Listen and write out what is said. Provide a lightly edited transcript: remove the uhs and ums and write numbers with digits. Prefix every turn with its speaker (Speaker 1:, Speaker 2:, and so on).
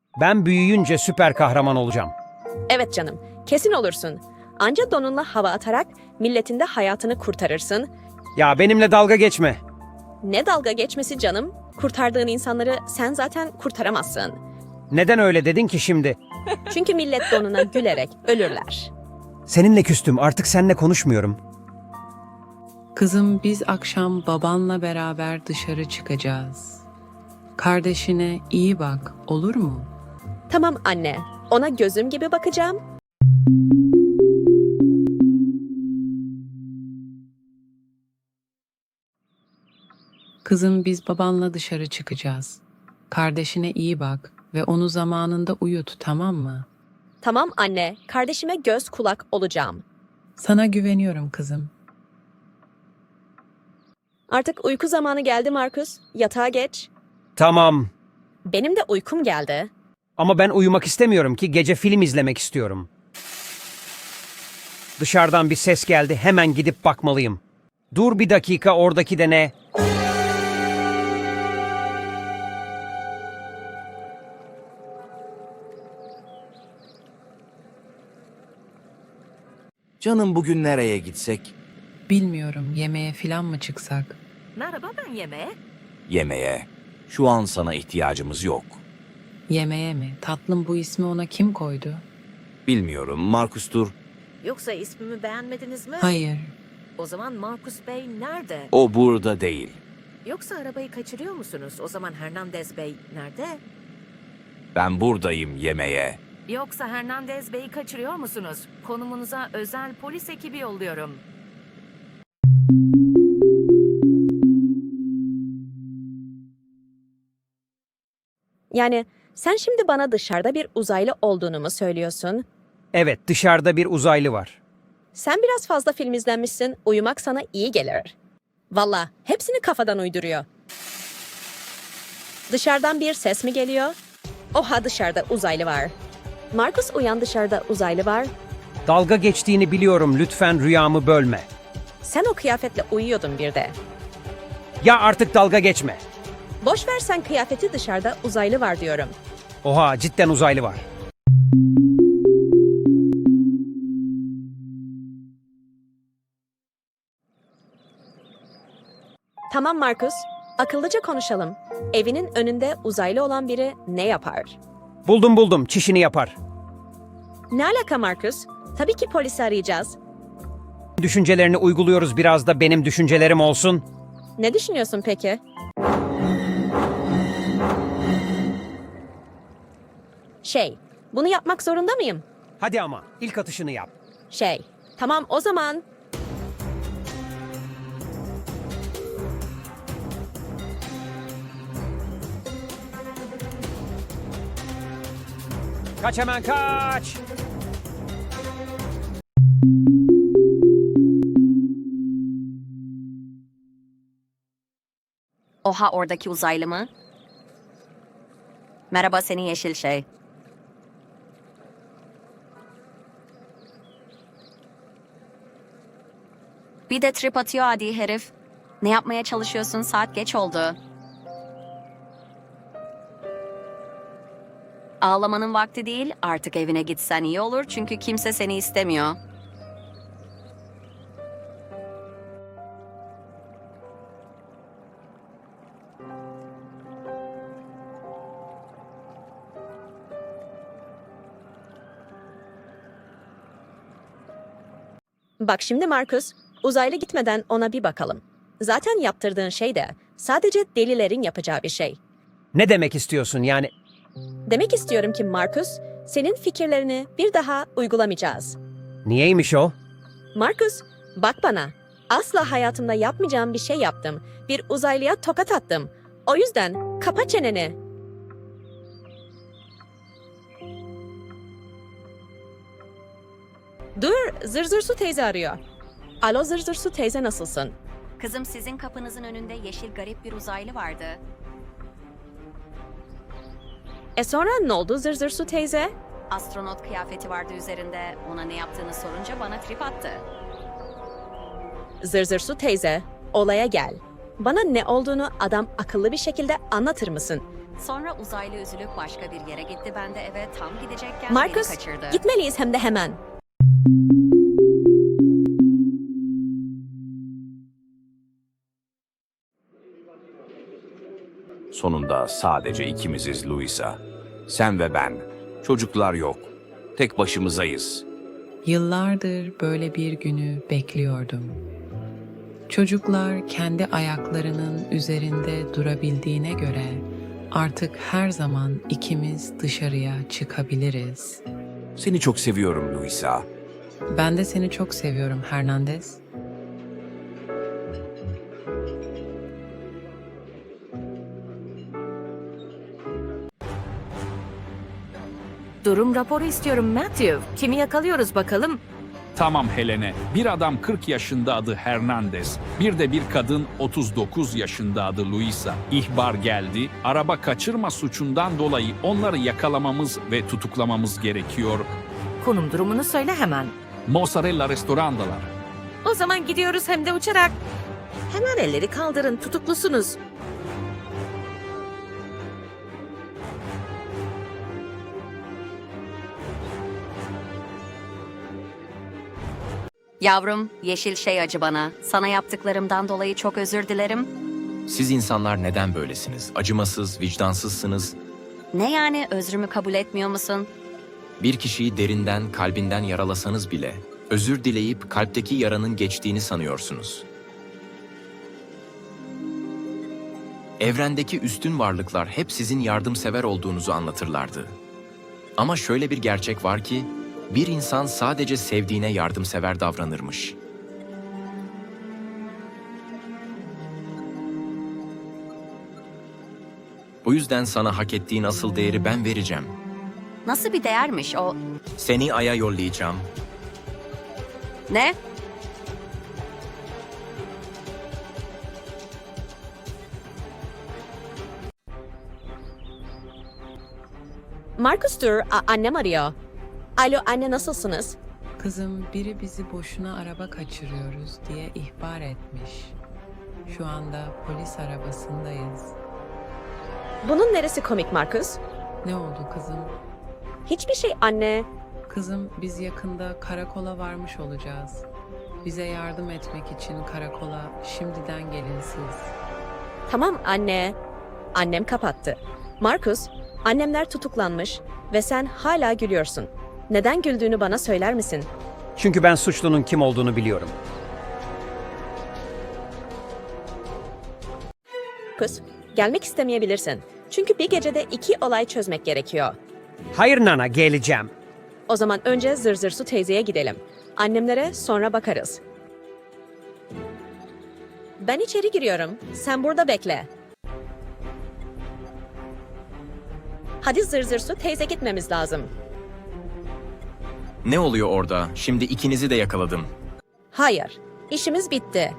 Speaker 1: Ben büyüyünce süper kahraman olacağım.
Speaker 2: Evet canım, kesin olursun. Anca donunla hava atarak milletin de hayatını kurtarırsın.
Speaker 1: Ya benimle dalga geçme.
Speaker 2: Ne dalga geçmesi canım? Kurtardığın insanları sen zaten kurtaramazsın.
Speaker 1: Neden öyle dedin ki şimdi?
Speaker 2: Çünkü millet donuna gülerek ölürler.
Speaker 1: Seninle küstüm, artık seninle konuşmuyorum.
Speaker 3: Kızım biz akşam babanla beraber dışarı çıkacağız. Kardeşine iyi bak, olur mu?
Speaker 2: Tamam anne, ona gözüm gibi bakacağım.
Speaker 3: Kızım biz babanla dışarı çıkacağız. Kardeşine iyi bak ve onu zamanında uyut, tamam mı?
Speaker 2: Tamam anne, kardeşime göz kulak olacağım.
Speaker 3: Sana güveniyorum kızım.
Speaker 2: Artık uyku zamanı geldi Markus. Yatağa geç.
Speaker 1: Tamam.
Speaker 2: Benim de uykum geldi.
Speaker 1: Ama ben uyumak istemiyorum ki, gece film izlemek istiyorum. Dışarıdan bir ses geldi, hemen gidip bakmalıyım. Dur bir dakika, oradaki de ne?
Speaker 4: Canım bugün nereye gitsek?
Speaker 3: Bilmiyorum, yemeğe filan mı çıksak?
Speaker 5: Merhaba, ben yemeğe.
Speaker 4: Yemeğe. Şu an sana ihtiyacımız yok.
Speaker 3: Yemeğe mi? Tatlım bu ismi ona kim koydu?
Speaker 4: Bilmiyorum, Markus'tur.
Speaker 5: Yoksa ismimi beğenmediniz mi?
Speaker 3: Hayır.
Speaker 5: O zaman Markus Bey nerede?
Speaker 4: O burada değil.
Speaker 5: Yoksa arabayı kaçırıyor musunuz? O zaman Hernandez Bey nerede?
Speaker 4: Ben buradayım yemeğe.
Speaker 5: Yoksa Hernandez Bey'i kaçırıyor musunuz? Konumunuza özel polis ekibi yolluyorum.
Speaker 2: Yani sen şimdi bana dışarıda bir uzaylı olduğunu mu söylüyorsun?
Speaker 1: Evet, dışarıda bir uzaylı var.
Speaker 2: Sen biraz fazla film izlemişsin, uyumak sana iyi gelir. Valla hepsini kafadan uyduruyor. Dışarıdan bir ses mi geliyor? Oha, dışarıda uzaylı var. Markus uyan, dışarıda uzaylı var.
Speaker 1: Dalga geçtiğini biliyorum, lütfen rüyamı bölme.
Speaker 2: Sen o kıyafetle uyuyordun bir de.
Speaker 1: Ya artık dalga geçme.
Speaker 2: Boş ver sen kıyafeti, dışarıda uzaylı var diyorum.
Speaker 1: Oha, cidden uzaylı var.
Speaker 2: Tamam Markus, akıllıca konuşalım. Evinin önünde uzaylı olan biri ne yapar?
Speaker 1: Buldum, çişini yapar.
Speaker 2: Ne alaka Markus? Tabii ki polisi arayacağız.
Speaker 1: Düşüncelerini uyguluyoruz, biraz da benim düşüncelerim olsun.
Speaker 2: Ne düşünüyorsun peki? Bunu yapmak zorunda mıyım?
Speaker 1: Hadi ama, ilk atışını yap.
Speaker 2: Tamam o zaman.
Speaker 1: Kaç hemen, kaç!
Speaker 6: Oha, oradaki uzaylı mı? Merhaba senin yeşil şey. Bir de trip atıyor adi herif. Ne yapmaya çalışıyorsun? Saat geç oldu. Ağlamanın vakti değil. Artık evine gitsen iyi olur çünkü kimse seni istemiyor.
Speaker 2: Bak şimdi Markus, uzaylı gitmeden ona bir bakalım. Zaten yaptırdığın şey de sadece delilerin yapacağı bir şey.
Speaker 1: Ne demek istiyorsun yani?
Speaker 2: Demek istiyorum ki Markus, senin fikirlerini bir daha uygulamayacağız.
Speaker 1: Niyeymiş o?
Speaker 2: Markus, bak bana. Asla hayatımda yapmayacağım bir şey yaptım. Bir uzaylıya tokat attım. O yüzden kapa çeneni. Dur, Zırzırsu teyze arıyor. Alo Zırzırsu teyze, nasılsın?
Speaker 6: Kızım, sizin kapınızın önünde yeşil garip bir uzaylı vardı.
Speaker 2: Sonra ne oldu Zırzırsu teyze?
Speaker 6: Astronot kıyafeti vardı üzerinde. Ona ne yaptığını sorunca bana trip attı.
Speaker 2: Zırzırsu teyze, olaya gel. Bana ne olduğunu adam akıllı bir şekilde anlatır mısın?
Speaker 6: Sonra uzaylı üzülüp başka bir yere gitti. Ben de eve tam gidecekken
Speaker 2: Marcus,
Speaker 6: beni kaçırdı.
Speaker 2: gitmeliyiz hem de hemen.
Speaker 4: Sonunda sadece ikimiziz Louisa. Sen ve ben. Çocuklar yok. Tek başımızayız.
Speaker 3: Yıllardır böyle bir günü bekliyordum. Çocuklar kendi ayaklarının üzerinde durabildiğine göre artık her zaman ikimiz dışarıya çıkabiliriz.
Speaker 4: Seni çok seviyorum Louisa.
Speaker 3: Ben de seni çok seviyorum Hernandez.
Speaker 5: Durum raporu istiyorum Matthew. Kimi yakalıyoruz bakalım?
Speaker 7: Tamam Helene. Bir adam 40 yaşında adı Hernandez. Bir de bir kadın 39 yaşında adı Luisa. İhbar geldi. Araba kaçırma suçundan dolayı onları yakalamamız ve tutuklamamız gerekiyor.
Speaker 5: Konum durumunu söyle hemen.
Speaker 7: Mozzarella restorandalar.
Speaker 5: O zaman gidiyoruz hem de uçarak. Hemen elleri kaldırın, tutuklusunuz.
Speaker 6: Yavrum, yeşil şey acı bana. Sana yaptıklarımdan dolayı çok özür dilerim.
Speaker 8: Siz insanlar neden böylesiniz? Acımasız, vicdansızsınız.
Speaker 6: Ne yani, özrümü kabul etmiyor musun?
Speaker 8: Bir kişiyi derinden, kalbinden yaralasanız bile özür dileyip kalpteki yaranın geçtiğini sanıyorsunuz. Evrendeki üstün varlıklar hep sizin yardımsever olduğunuzu anlatırlardı. Ama şöyle bir gerçek var ki, bir insan sadece sevdiğine yardımsever davranırmış. Bu yüzden sana hak ettiğin asıl değeri ben vereceğim.
Speaker 6: Nasıl bir değermiş o?
Speaker 8: Seni Ay'a yollayacağım.
Speaker 6: Ne?
Speaker 2: Marcus dur, annem arıyor. Alo anne, nasılsınız?
Speaker 3: Kızım, biri bizi boşuna araba kaçırıyoruz diye ihbar etmiş. Şu anda polis arabasındayız.
Speaker 2: Bunun neresi komik Marcus?
Speaker 3: Ne oldu kızım?
Speaker 2: Hiçbir şey anne.
Speaker 3: Kızım, biz yakında karakola varmış olacağız. Bize yardım etmek için karakola şimdiden gelin siz.
Speaker 2: Tamam anne. Annem kapattı. Marcus, annemler tutuklanmış ve sen hala gülüyorsun. Neden güldüğünü bana söyler misin?
Speaker 1: Çünkü ben suçlunun kim olduğunu biliyorum.
Speaker 2: Marcus, gelmek istemeyebilirsin. Çünkü bir gecede 2 olay çözmek gerekiyor.
Speaker 1: Hayır Nana, geleceğim.
Speaker 2: O zaman önce Zırzırsu teyzeye gidelim. Annemlere sonra bakarız. Ben içeri giriyorum. Sen burada bekle. Hadi Zırzırsu teyze, gitmemiz lazım.
Speaker 8: Ne oluyor orada? Şimdi ikinizi de yakaladım.
Speaker 2: Hayır, işimiz bitti.